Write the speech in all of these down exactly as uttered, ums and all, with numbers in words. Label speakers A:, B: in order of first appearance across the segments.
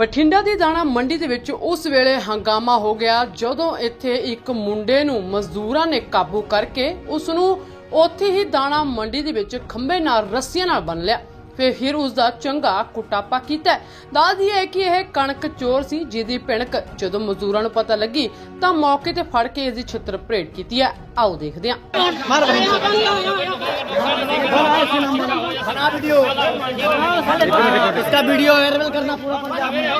A: ਬਠਿੰਡਾ ਦੀ ਦਾਣਾ ਮੰਡੀ ਦੇ ਵਿੱਚ ਉਸ ਵੇਲੇ ਹੰਗਾਮਾ ਹੋ ਗਿਆ ਜਦੋਂ ਇੱਥੇ ਇੱਕ ਮੁੰਡੇ ਨੂੰ ਮਜ਼ਦੂਰਾਂ ਨੇ ਕਾਬੂ ਕਰਕੇ ਉਸ ਨੂੰ ਉੱਥੇ ਹੀ ਦਾਣਾ ਮੰਡੀ ਦੇ ਵਿੱਚ ਖੰਭੇ ਨਾਲ ਰੱਸੀਆਂ ਨਾਲ ਬੰਨ ਲਿਆ। ਫਿਰ ਫਿਰ ਉਸ ਦਾ ਚੰਗਾ ਕੁਟਾਪਾ ਕੀਤਾ। ਦੱਸਦੀ ਹੈ ਕਿ ਇਹ ਕਣਕ ਚੋਰ ਸੀ ਜਿਹਦੀ ਭਿਣਕ ਜਦੋਂ ਮਜ਼ਦੂਰਾਂ ਨੂੰ ਪਤਾ ਲੱਗੀ ਤਾਂ ਮੌਕੇ ਤੇ ਫੜ ਕੇ ਇਸ ਦੀ ਛਿੱਤਰ ਭਰੇਟ ਕੀਤੀ ਹੈ। आओ देखते हैं।
B: इसका वीडियो वायरल करना पूरा पंजाब में।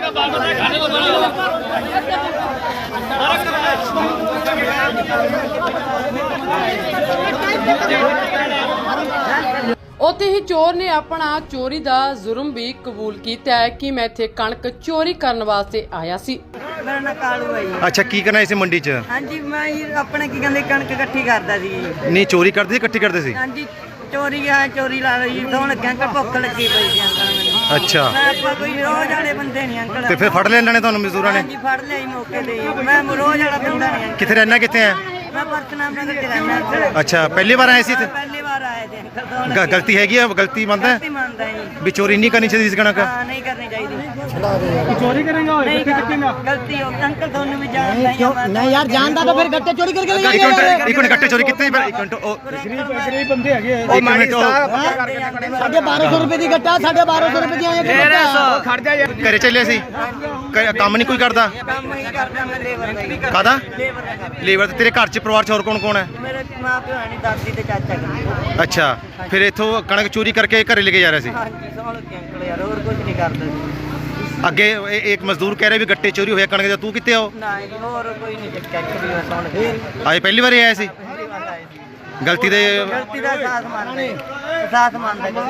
A: ਉੱਥੇ ਹੀ ਚੋਰ ਨੇ ਆਪਣਾ ਚੋਰੀ ਦਾ ਜ਼ੁਰਮ ਵੀ ਕਬੂਲ ਕੀਤਾ ਹੈ ਕਿ ਮੈਂ ਇੱਥੇ ਕਣਕ ਚੋਰੀ ਕਰਨ ਵਾਸਤੇ ਆਇਆ ਸੀ।
B: मेरा नाम कालू है जी।
C: अच्छा की करना इसे मंडी च?
B: हाँ जी मैं अपने की कहते कणक इकट्ठी करता सी।
C: नहीं चोरी करते इकट्ठी करते सी?
B: हाँ जी चोरी है चोरी ला रही दोन अंकल भुख लगी पई सी अंकल मैनूं।
C: अच्छा
B: मैं आपा कोई रोज वाले बंदे नहीं अंकल।
C: ते फिर फड़ लिया इन्होंने तुहानू मजदूरां ने?
B: हाँ जी फड़ लिया मौके ते। मैं रोज वाला बंदा नहीं।
C: किथे रहना किथे है?
B: मैं परसनाम नगर च रहना अंकल।
C: अच्छा पहली बार आए सी इत्थे?
B: पहली बार आए थे अंकल। दोन
C: ग- गलती हैगी है? गलती मंनदा है
B: गलती मानदा है जी।
C: भी चोरी नहीं करनी चाहिए इस कणक?
B: हाँ नहीं करनी चाहिए।
D: चोरी करेंगे और
B: नहीं
D: गट्टे कटेंगे।
B: गलती हो अंकल दोनों भी जानता है।
E: नहीं यार जानता तो फिर गट्टे चोरी करके ले
C: एक मिनट एक मिनट गट्टे चोरी कितने पर एक मिनट ओ
D: गरीब गरीब बंदे हैगे।
C: एक मिनट ओ
E: साढ़े बारह सौ रुपए की गट्टा साढ़े बारह सौ रुपए की
C: घरे चले सी काम नहीं कोई करदा?
B: काम ही करदा मैं लेबर का ही।
C: कादा
B: लेबर का।
C: लेबर तेरे घर च परिवार च और कौन कौन है?
B: मेरे माँ प्यो है नहीं दादी ते चाचा का।
C: अच्छा फिर इथों कणक चोरी करके घरे लेके जा रहा सी?
B: हाँ जी समझ के अंकल यार और कुछ नहीं करदा जी।
C: ਅੱਗੇ ਇਹ- ਇੱਕ ਮਜ਼ਦੂਰ ਕਹਿ ਰਿਹਾ ਵੀ ਗੱਟੇ ਚੋਰੀ ਹੋਇਆ ਕਣਕ ਦਾ, ਤੂੰ ਕਿੱਥੇ ਆਓ?
B: ना जी और कोई नहीं चक्का कभी मैं सुन के
C: ਅੱਜ ਪਹਿਲੀ ਵਾਰ ਆਇਆ ਸੀ?
B: पहली बार आए जी।
C: ਗਲਤੀ ਦੇ
B: गलती का साथ मानते साथ मानते।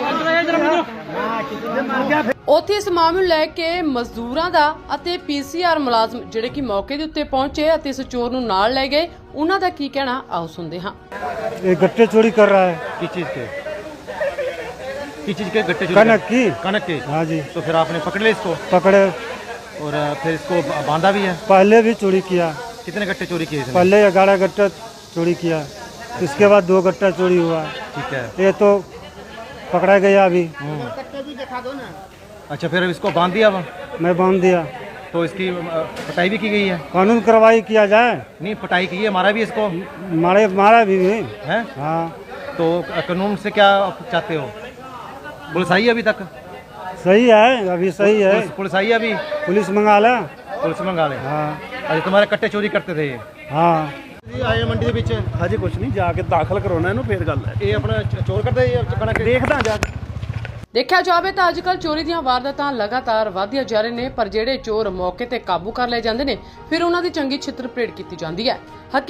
A: ਉੱਥੇ ਇਸ ਮਾਮਲੇ ਨੂੰ ਲੈ ਕੇ ਮਜ਼ਦੂਰਾਂ ਦਾ ਅਤੇ ਪੀਸੀਆਰ ਮੁਲਾਜ਼ਮ ਜਿਹੜੇ ਕਿ ਮੌਕੇ ਦੇ ਉੱਤੇ ਪਹੁੰਚੇ ਅਤੇ ਇਸ ਚੋਰ ਨੂੰ ਨਾਲ ਲੈ ਗਏ, ਉਹਨਾਂ ਦਾ ਕੀ ਕਹਿਣਾ ਆਓ ਸੁਣਦੇ ਹਾਂ।
F: ये गट्टे चोरी कर रहा है।
C: किस चीज के किस चीज के गट्टे चोरी
F: कनक की।
C: कनक के?
F: हाँ जी
C: तो फिर आपने पकड़ लिया इसको
F: पकड़े।
C: और फिर इसको बांधा भी है?
F: पहले भी चोरी किया।
C: कितने गट्टे चोरी किए इसने?
F: पहले ग्यारह गट्टा चोरी किया, इसके बाद दो गट्टा चोरी हुआ।
C: ठीक है।
F: ये तो पकड़ा गया अभी।
C: अच्छा फिर इसको बांध दिया अब?
F: मैं बांध दिया।
C: तो इसकी अ, पटाई भी की गई है?
F: कानून कार्रवाई किया जाए।
C: नहीं पटाई की है, मारा भी इसको
F: मारे मारा भी है।
C: है?
F: हाँ
C: तो कानून से क्या आप चाहते हो? पुलिस आई है अभी तक?
F: सही है अभी सही है।
C: पुलिस, पुलिस आई है अभी?
F: पुलिस मंगा ला।
C: पुलिस मंगा ले।
F: हाँ
C: अच्छा तुम्हारे कट्टे चोरी करते थे ये?
F: हाँ
C: आए मंडी ਦੇ ਵਿੱਚ
D: ਹਜੇ ਕੁਝ ਨਹੀਂ ਜਾ ਕੇ ਦਾਖਲ ਕਰਾਉਣਾ ਇਹਨੂੰ ਫੇਰ ਗੱਲ ਹੈ।
C: ਇਹ ਆਪਣਾ ਚ- ਚੋਰ ਕਰਦੇ ਇਹ ਕਣਕ
D: ਦੇਖਦਾ ਜਾ ਕੇ।
A: ਦੇਖਿਆ ਜਾਵੇ ਤਾਂ ਅੱਜਕੱਲ ਚੋਰੀ ਦੀਆਂ ਵਾਰਦਾਤਾਂ ਲਗਾਤਾਰ ਵਧਦੀਆਂ ਜਾ ਰਹੇ ਨੇ, ਪਰ ਜਿਹੜੇ ਚੋਰ ਮੌਕੇ ਤੇ ਕਾਬੂ ਕਰ ਲਏ ਜਾਂਦੇ ਨੇ ਫਿਰ ਉਹਨਾਂ ਦੀ ਚੰਗੀ ਛਿੱਤਰ ਭਰੇਟ ਕੀਤੀ ਜਾਂਦੀ ਹੈ।